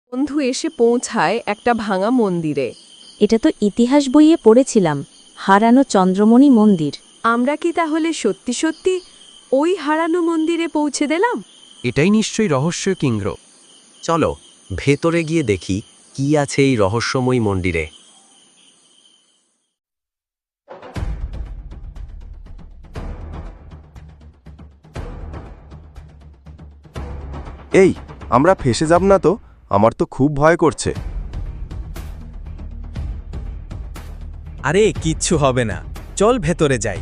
বন্ধু এসে পৌঁছায় একটা ভাঙা মন্দিরে। এটা তো ইতিহাস বইয়ে পড়েছিলাম, হারানো চন্দ্রমণি মন্দির। আমরা কি তাহলে সত্যি সত্যি ওই হারানো মন্দিরে পৌঁছে দিলাম? এটাই নিশ্চয়ই রহস্য কিংগ্র। চলো ভেতরে গিয়ে দেখি কি আছে এই রহস্যময় মন্দিরে। এই, আমরা ফেঁসে যাব না তো? আমার তো খুব ভয় করছে। আরে কিচ্ছু হবে না, চল ভেতরে যাই।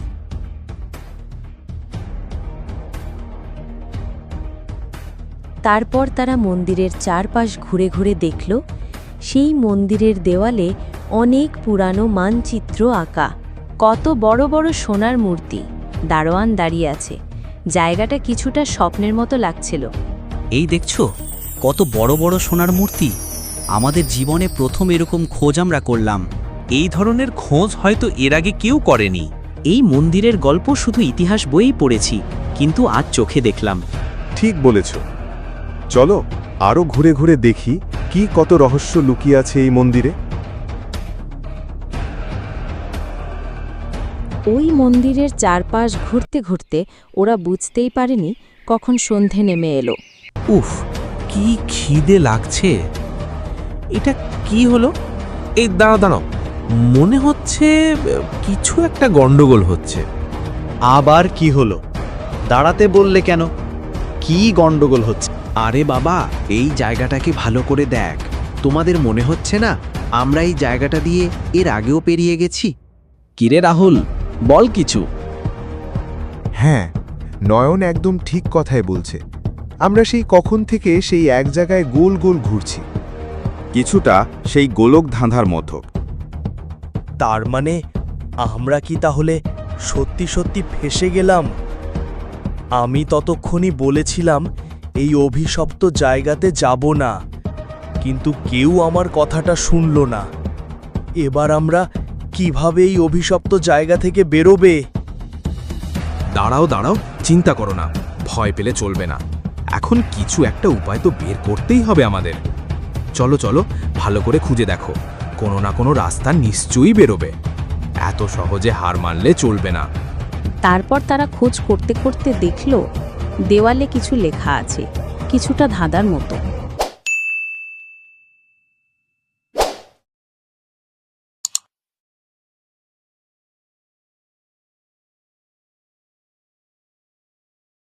তারপর তারা মন্দিরের চারপাশ ঘুরে ঘুরে দেখল, সেই মন্দিরের দেওয়ালে অনেক পুরানো মানচিত্র আঁকা, কত বড় বড় সোনার মূর্তি, দারোয়ান দাঁড়িয়ে আছে। জায়গাটা কিছুটা স্বপ্নের মতো লাগছিল। এই দেখছো কত বড় বড় সোনার মূর্তি। আমাদের জীবনে প্রথম এরকম খোঁজ আমরা করলাম। এই ধরনের খোঁজ হয়তো এর আগে কেউ করেনি। এই মন্দিরের গল্প শুধু ইতিহাস বইয়েই পড়েছি, কিন্তু আজ চোখে দেখলাম। ঠিক বলেছ, চলো আরও ঘুরে ঘুরে দেখি কি কত রহস্য লুকিয়ে আছে এই মন্দিরে। ওই মন্দিরের চারপাশ ঘুরতে ঘুরতে ওরা বুঝতেই পারেনি কখন সন্ধে নেমে এলো। উফ, কি খিদে লাগছে। এটা কি হলো? এই দাঁড়াও, মনে হচ্ছে কিছু একটা গন্ডগোল হচ্ছে। আবার কি হলো? দাঁড়াতে বললে কেন? কি গন্ডগোল হচ্ছে? আরে বাবা, এই জায়গাটাকে ভালো করে দেখ। তোমাদের মনে হচ্ছে না আমরা এই জায়গাটা দিয়ে এর আগেও পেরিয়ে গেছি? কিরে রাহুল, বল কিছু। হ্যাঁ, নয়ন একদম ঠিক কথাই বলছে। আমরা সেই কখন থেকে সেই এক জায়গায় গোল গোল ঘুরছি, কিছুটা সেই গোলক ধাঁধার মতো। তার মানে আমরা কি তাহলে সত্যি সত্যি ফেঁসে গেলাম? আমি ততক্ষণই বলেছিলাম এই অভিশপ্ত জায়গাতে যাব না, কিন্তু কেউ আমার কথাটা শুনল না। এবার আমরা কিভাবে এই অভিশপ্ত জায়গা থেকে বেরোবে? দাঁড়াও, চিন্তা করো না, ভয় পেলে চলবে না। এখন কিছু একটা উপায় তো বের করতেই হবে আমাদের। চলো ভালো করে খুঁজে দেখো, কোনো না কোনো রাস্তা নিশ্চয়ই বেরোবে। এত সহজে হার মানলে চলবে না। তারপর তারা খোঁজ করতে করতে দেখল দেওয়ালে কিছু লেখা আছে, কিছুটা ধাঁধার মতো।